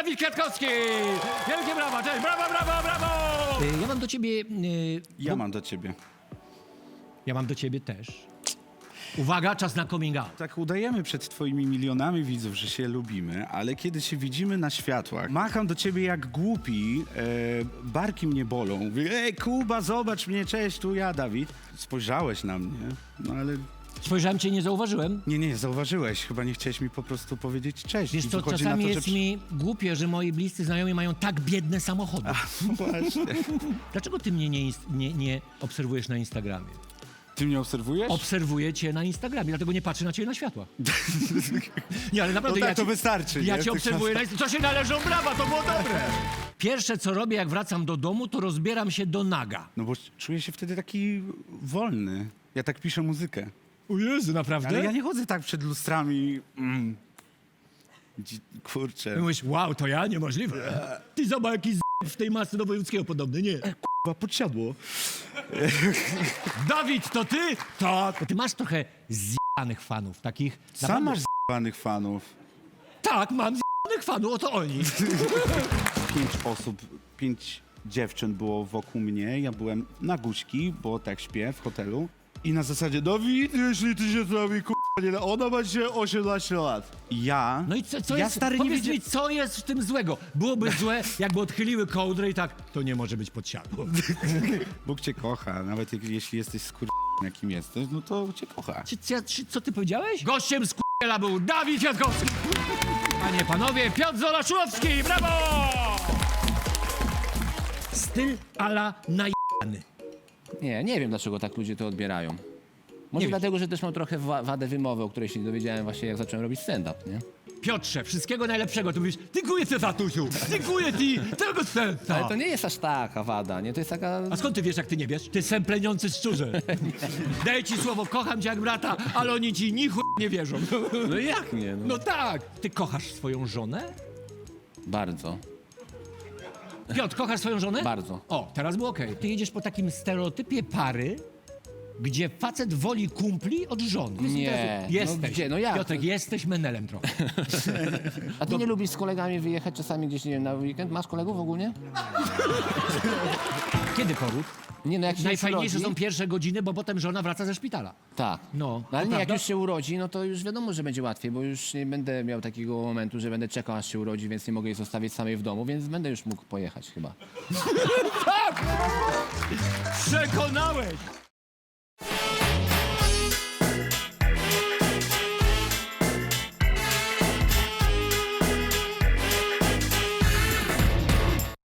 Dawid Kwiatkowski! Wielkie brawa, cześć, brawo, brawo, brawo! Ja mam do ciebie... Ja mam do ciebie. Ja mam do ciebie też. Uwaga, czas na coming out. Tak udajemy przed twoimi milionami widzów, że się lubimy, ale kiedy się widzimy na światłach, macham do ciebie jak głupi, barki mnie bolą. Mówię, ej Kuba, zobacz mnie, cześć, tu ja, Dawid. Spojrzałeś na mnie, no ale... Spojrzałem cię, nie zauważyłem. Nie, zauważyłeś. Chyba nie chciałeś mi po prostu powiedzieć cześć. Wiesz I co, wychodzi czasami na to, jest że... mi głupie, że moi bliscy znajomi mają tak biedne samochody. No właśnie. Dlaczego ty mnie nie obserwujesz na Instagramie? Ty mnie obserwujesz? Obserwuję cię na Instagramie, dlatego nie patrzę na ciebie na światła. Nie, ale naprawdę No tak, ja to ci, wystarczy. ja nie? cię W tych obserwuję czasach. na Instagramie. Co się należą brawa, to było dobre. Pierwsze, co robię, jak wracam do domu, to rozbieram się do naga. No bo czuję się wtedy taki wolny. Ja tak piszę muzykę. O Jezu, naprawdę? Ale ja nie chodzę tak przed lustrami. Kurczę. I mówisz, wow, to ja? Niemożliwe. Ty zobacz, jaki w tej masy do wojewódzkiego podobny, nie? Chyba podsiadło. Dawid, to ty? Tak. Bo ty masz trochę zjanych fanów, takich... Sam naprawdę- masz z***anych fanów. Tak, mam zjanych fanów, oto oni. 5 osób, 5 dziewczyn było wokół mnie. Ja byłem na guźki, bo tak śpię w hotelu. I na zasadzie, Dawid, jeśli ty się z nami nie da, ona ma dzisiaj 18 lat. I ja... No i co ja jest, stary nie powiedz wiedziałem... mi, co jest w tym złego? Byłoby złe, jakby odchyliły kołdrę i tak, to nie może być podsiadło. Bóg cię kocha, nawet jeśli jesteś jakim jesteś, no to cię kocha. Co ty powiedziałeś? Gościem z był Dawid Kwiatkowski. Panie, panowie, Piotr Zolaszulowski, brawo! Styl ala najebany. Nie wiem dlaczego tak ludzie to odbierają. Może Nie dlatego, że też mam trochę wadę wymowy, o której się dowiedziałem właśnie jak zacząłem robić stand-up, nie? Piotrze, wszystkiego najlepszego. Tu mówisz, dziękuję ci, tatusiu, dziękuję ci, tego serca. Ale to nie jest aż taka wada, nie? To jest taka... A skąd ty wiesz, jak ty nie wiesz? Ty sempleniący szczurze. Daję ci słowo, kocham cię jak brata, ale oni ci ni chuj nie wierzą. No jak nie? No. No tak. Ty kochasz swoją żonę? Bardzo. Piotr, kochasz swoją żonę? Bardzo. O, teraz było okej. Ty jedziesz po takim stereotypie pary, gdzie facet woli kumpli od żony. Powiedz mi Nie. teraz, Jesteś. No gdzie? No jak? Piotrek, jesteś menelem trochę. A ty nie lubisz z kolegami wyjechać czasami gdzieś, nie wiem, na weekend? Masz kolegów ogólnie? Kiedy poród? Nie, no jak się Najfajniejsze urodzi, są pierwsze godziny, bo potem żona wraca ze szpitala. Tak. No, Ale to nie, jak prawda? już się urodzi, no to już wiadomo, że będzie łatwiej, bo już nie będę miał takiego momentu, że będę czekał, aż się urodzi, więc nie mogę jej zostawić samej w domu, więc będę już mógł pojechać chyba. Przekonałeś!